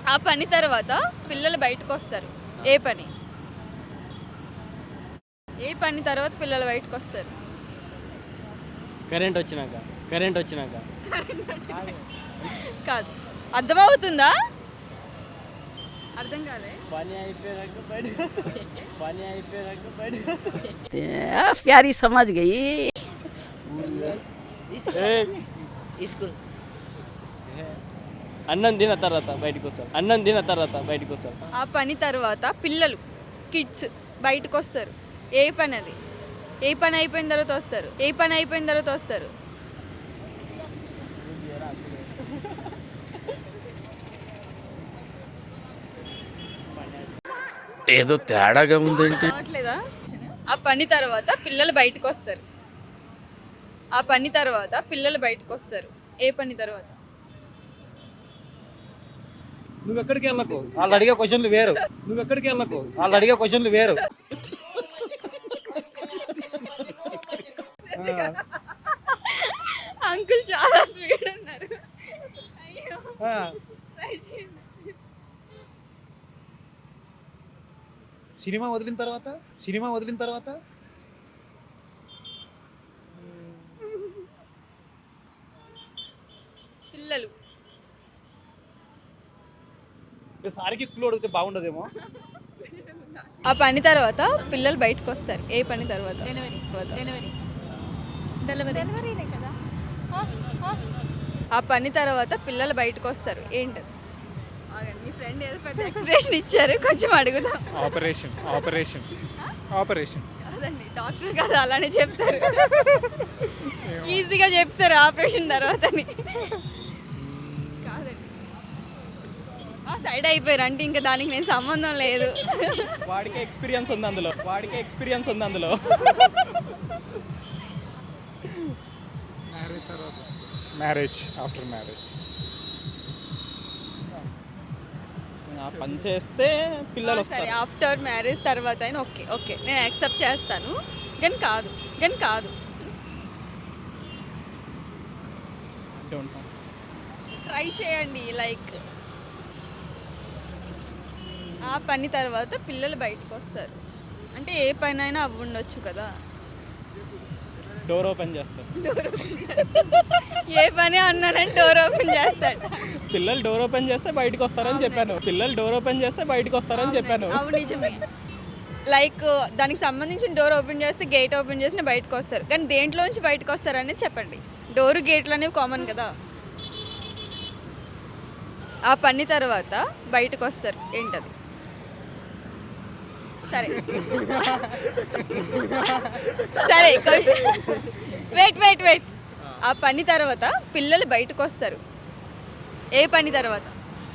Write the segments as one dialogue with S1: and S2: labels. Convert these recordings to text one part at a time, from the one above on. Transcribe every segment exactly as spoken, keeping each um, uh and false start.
S1: ఆ పని తర్వాత పిల్లలు బయటకు వస్తారు. ఏ పని? ఏ పని తర్వాత పిల్లలు బయటకు వస్తారు?
S2: కరెంట్ వచ్చినాక కరెంట్ వచ్చినాక
S1: కాదు. అర్థమవుతుందా? అర్థం కాలే.
S2: పని అయిపోయాక బయట పని అయిపోయాక బయట
S3: प्यारी समझ गई।
S2: స్కూల్ అన్నం తిన్న తర్వాత బయటకు వస్తారు. అన్నం తిన్న తర్వాత బయటకు వస్తారు.
S1: ఆ పని తర్వాత పిల్లలు కిడ్స్ బయటకు వస్తారు. ఏ పని అది? ఏ పని అయిపోయిన తర్వాత వస్తారు? ఏ పని అయిపోయిన తర్వాత వస్తారు?
S4: ఏదో తేడాగా ఉందేంటి?
S1: రావట్లేదా? ఆ పని తర్వాత పిల్లలు బయటకు వస్తారు. ఆ పని తర్వాత పిల్లలు బయటకు వస్తారు. ఏ పని తర్వాత?
S5: నువ్వు ఎక్కడికి వెళ్ళకు, వాళ్ళు అడిగే క్వశ్చన్లు వేరు. నువ్వు ఎక్కడికి వెళ్ళకు, వాళ్ళు అడిగే క్వశ్చన్లు వేరు.
S1: అంకుల్ చాలా స్పీడ్ ఉన్నారు. అయ్యో,
S5: ఆ,
S1: try చేయండి.
S5: సినిమా వదిలిన తర్వాత సినిమా వదిలిన తర్వాత
S1: పిల్లలు
S5: సారికి క్లూ అడిగితే బాగుండదేమో.
S1: ఆ పని తర్వాత పిల్లలు బయటకు వస్తారు. ఏ పని తర్వాత? ఆ పని తర్వాత పిల్లలు బయటకు వస్తారు. ఏంటది? ఆగండి, మీ ఫ్రెండ్ ఏదో పెద్ద ఎక్స్ప్రెషన్ ఇచ్చారు, కొంచెం అడుగుదాం.
S6: ఆపరేషన్ ఆపరేషన్ ఆపరేషన్
S1: కాదండి, డాక్టర్ కదా అలానే చెప్తారు. ఈజీగా చెప్తారు ఆపరేషన్ తర్వాతని. కాదండి, సైడ్ అయిపోయారు అంటే ఇంకా దానికి నేను సంబంధం లేదు.
S6: వాడికి ఎక్స్పీరియన్స్ ఉంది అందులో వాడికి ఎక్స్పీరియన్స్ ఉంది అందులో మ్యారేజ్ తర్వాత మ్యారేజ్ ఆఫ్టర్ మ్యారేజ్ పని చేస్తే పిల్లలు
S1: సరే,
S6: వస్తారు.
S1: ఆఫ్టర్ మ్యారేజ్ తర్వాత అయినా ఓకే ఓకే నేను యాక్సెప్ట్ చేస్తాను. కానీ కాదు కానీ కాదు
S6: Don't know.
S1: ట్రై చేయండి. లైక్ ఆ పని తర్వాత పిల్లలు బయటకు వస్తారు అంటే ఏ పని అయినా అవి ఉండొచ్చు కదా.
S6: డోర్ ఓపెన్ చేస్తారు.
S1: ఏ పని అన్నానంటే డోర్ ఓపెన్ చేస్తాడు.
S6: పిల్లలు డోర్ ఓపెన్ చేస్తే బయటకు వస్తారని చెప్పాను. పిల్లలు డోర్ ఓపెన్ చేస్తే బయటకు వస్తారని చెప్పాను.
S1: అవును, నిజమే. లైక్ దానికి సంబంధించిన డోర్ ఓపెన్ చేస్తే గేట్ ఓపెన్ చేసిన బయటకు వస్తారు. కానీ దేంట్లోంచి బయటకు వస్తారు అనేది చెప్పండి. డోరు గేట్లు అనేవి కామన్ కదా. ఆ పని తర్వాత బయటకు వస్తారు. ఏంటది? సరే సరే వెయిట్ వెయిట్ వెయిట్ ఆ పని తర్వాత పిల్లలు బయటకు వస్తారు. ఏ పని తర్వాత?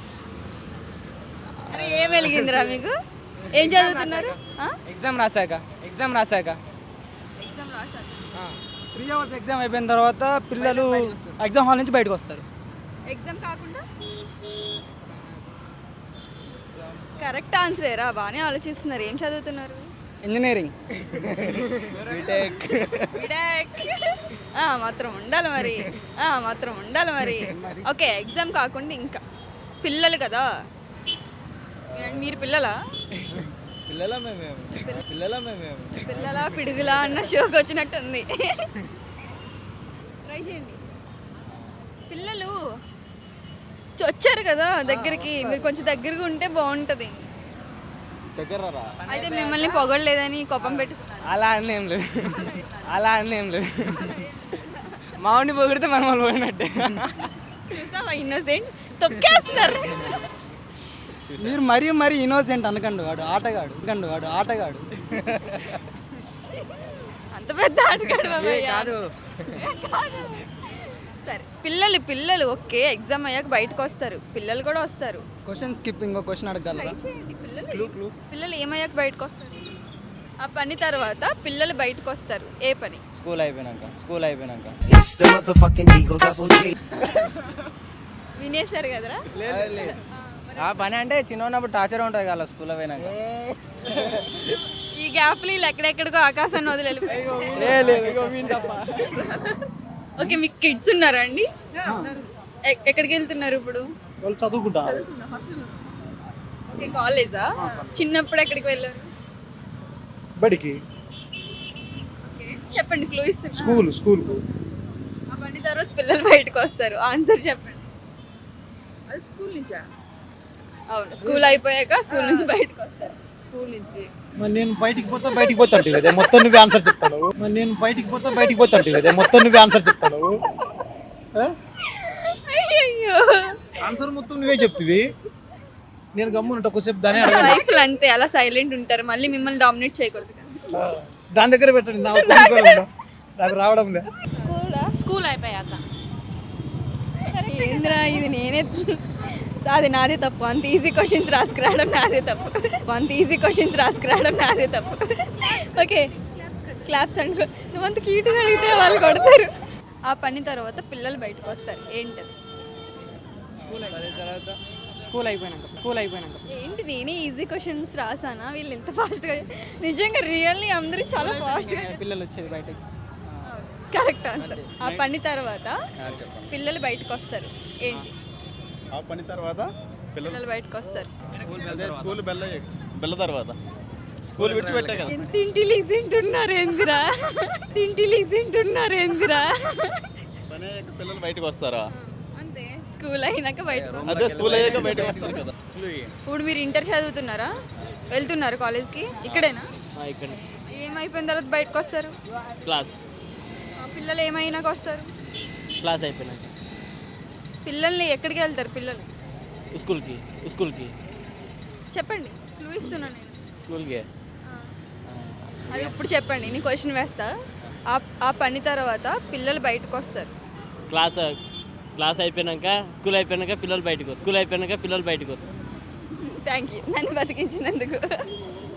S1: అరే ఏం వెలిగిందిరా మీకు? ఏం చదువుతున్నారు?
S7: ఎగ్జామ్ రాశాక ఎగ్జామ్ రాశాక
S1: ఎగ్జామ్ రాశారు.
S7: త్రీ అవర్స్ ఎగ్జామ్ అయిపోయిన తర్వాత పిల్లలు ఎగ్జామ్ హాల్ నుంచి బయటకు వస్తారు.
S1: ఎగ్జామ్ కాకుండా కరెక్ట్ ఆన్సర్ ఏరా, బాగానే ఆలోచిస్తున్నారు. ఏం చదువుతున్నారు?
S7: ఇంజనీరింగ్.
S1: బిడాక్. ఆ మాత్రం ఉండాలి మరి. ఆ మాత్రం ఉండాలి మరి. ఓకే, ఎగ్జామ్ కాకుండా ఇంకా పిల్లలు కదా. మీరు పిల్లలా?
S7: పిల్లల మేమేమి పిల్లల మేమేమి
S1: పిల్లలా పిడుగులా అన్న షోకి వచ్చినట్టు ఉంది. ట్రై చేయండి. పిల్లలు వచ్చారు కదా దగ్గరికి, మీరు కొంచెం దగ్గరగా ఉంటే బాగుంటుంది.
S7: దగ్గర
S1: అయితే మిమ్మల్ని పొగడలేదని కోపం పెట్టుకున్నారు.
S7: అలా అని ఏం లేదు అలా అని ఏం లేదు మామిడి పొగిడితే మనం వాళ్ళు పోయినట్టే.
S1: చూసావా ఇన్నోసెంట్ తొక్కేస్తారు.
S7: మీరు మరీ మరీ ఇన్నోసెంట్ అనకండి. వాడు ఆటగాడు కండు వాడు ఆటగాడు
S1: అంత పెద్ద ఆటగాడు కాదు. సరే, పిల్లలు పిల్లలు ఓకే ఎగ్జామ్ అయ్యాక బయటకు వస్తారు. పిల్లలు కూడా వస్తారు.
S7: క్వశ్చన్ స్కిప్ ఇంకో క్వశ్చన్ అడగలరా?
S1: పిల్లలు పిల్లలు ఏమయ్యాక బయటకు వస్తారు? ఆ పని తర్వాత పిల్లలు బయటకు వస్తారు. ఏ పని?
S2: స్కూల్ అయిపోయినాక స్కూల్ అయిపోయినాక
S1: వినేశారు కదరా.
S7: ఆ పని అంటే చిన్న ఉన్నప్పుడు టార్చర్ ఉంటుంది కదా స్కూల్లో పోయినాక.
S1: ఈ గ్యాప్లు వీళ్ళు ఎక్కడెక్కడికో ఆకాశాన్ని వదిలి వెళ్ళిపోయారు. ఓకే, మీకు కిడ్స్ ఉన్నారా అండి? ఎ- ఎక్కడికి వెళ్తున్నారు ఇప్పుడు?
S5: వాళ్ళు చదువుకుంటారు.
S1: ఓకే కాలేజా? చిన్నప్పుడు ఎక్కడికి వెళ్ళారు?
S5: బడికి,
S1: ఓకే చెప్పండి, క్లూ ఇస్తున్నా.
S5: స్కూల్ స్కూల్కు.
S1: ఆ పని తర్వాత పిల్లలు బయటకు వస్తారు. ఆన్సర్ చెప్పండి.
S8: అది స్కూల్ నుంచా?
S1: అవును, స్కూల్ అయిపోయాక స్కూల్ నుంచి బయటకు వస్తారు.
S8: స్కూల్ నుంచి
S5: మరి నేను బయటికి పోతే బయటికి పోతా అంటే లేదా మొత్తం నువ్వే ఆన్సర్ చెప్తాను. మరి నేను బయటికి పోతే బయటికి పోతా అంటే లేదా మొత్తం నువ్వే ఆన్సర్ చెప్తాను.
S1: అయ్యయ్యో,
S5: ఆన్సర్ మొత్తం నువ్వే చెప్తివి, నేను గమ్మునుంటా కొద్దిసేపు దానే అడగండి.
S1: లైఫ్ లో అంతే, అలా సైలెంట్ ఉంటారు. మళ్ళీ మిమ్మల్ని డామినేట్ చేయకూడదు కదా.
S5: దాని దగ్గర పెట్టండి, నాకు తెలియదు కూడా ఉందా? నాకు రావడం లే.
S1: స్కూలా?
S8: స్కూల్ అయిపోయాక
S1: ఏంద్రా ఇది, నేనే అది నాదే తప్పు. అంత ఈజీ క్వశ్చన్స్ రాసుకురావడం నాదే తప్పు. అంత ఈజీ క్వశ్చన్స్ రాసుకురావడం నాదే తప్పు. ఓకే క్లాప్స్ అంటే నువ్వు అంత క్యూట్గా అడిగితే వాళ్ళు కొడతారు. ఆ పని తర్వాత పిల్లలు బయటకు వస్తారు, ఏంటది?
S7: స్కూల్ అయిపోయినాక స్కూల్ అయిపోయినాక
S1: ఏంటి నేనే ఈజీ క్వశ్చన్స్ రాసానా? వీళ్ళు ఇంత ఫాస్ట్గా, నిజంగా రియల్లీ అందరూ చాలా ఫాస్ట్గా.
S7: పిల్లలు వచ్చేది బయటకి.
S1: Correct answer. ఆ పని తర్వాత పిల్లలు బయటకు వస్తారు, ఏంటి?
S9: ఆ పని తర్వాత
S1: పిల్లలు బయటకు వస్తారు.
S9: స్కూల్ బెల్ల బెల్ల తర్వాత స్కూల్ విడిచిపెట్టే కదా.
S1: ఎంత ఇంటెలిజెంట్ ఉన్నారు ఏందిరా, ఎంత ఇంటెలిజెంట్ ఉన్నారు ఏందిరా.
S9: పని అయ్యాక పిల్లలు బయటకు వస్తారా?
S1: అంతే, స్కూల్ అయినాక బయటకు వస్తారు.
S9: అదే స్కూల్ అయ్యాక బయటకు వస్తారు కదా.
S1: ఇప్పుడు మీరు ఇంటర్ చదువుతున్నారా? వెళ్తున్నారు కాలేజ్కి? ఇక్కడేనా?
S2: ఇక్కడ
S1: ఏమైపోయిన తర్వాత బయటకు వస్తారు?
S2: క్లాస్
S1: ఆ, పిల్లలు ఏమైనాక వస్తారు?
S2: క్లాస్ అయిపోయినాక
S1: పిల్లల్ని ఎక్కడికి వెళ్తారు పిల్లలు?
S2: స్కూల్కి స్కూల్కి
S1: చెప్పండి, క్లూ ఇస్తున్నా నేను.
S2: స్కూల్కి
S1: ఆ. అది ఇప్పుడు చెప్పండి, నేను క్వశ్చన్ వేస్తా. ఆ ఆ పని తర్వాత పిల్లలు బయటకు వస్తారు.
S2: క్లాస్ క్లాస్ అయిపోయినాక స్కూల్ అయిపోయినాక పిల్లలు బయటకు వస్తారు స్కూల్ అయిపోయినాక పిల్లలు బయటకు వస్తారు
S1: థ్యాంక్ యూ నన్ను బతికించినందుకు.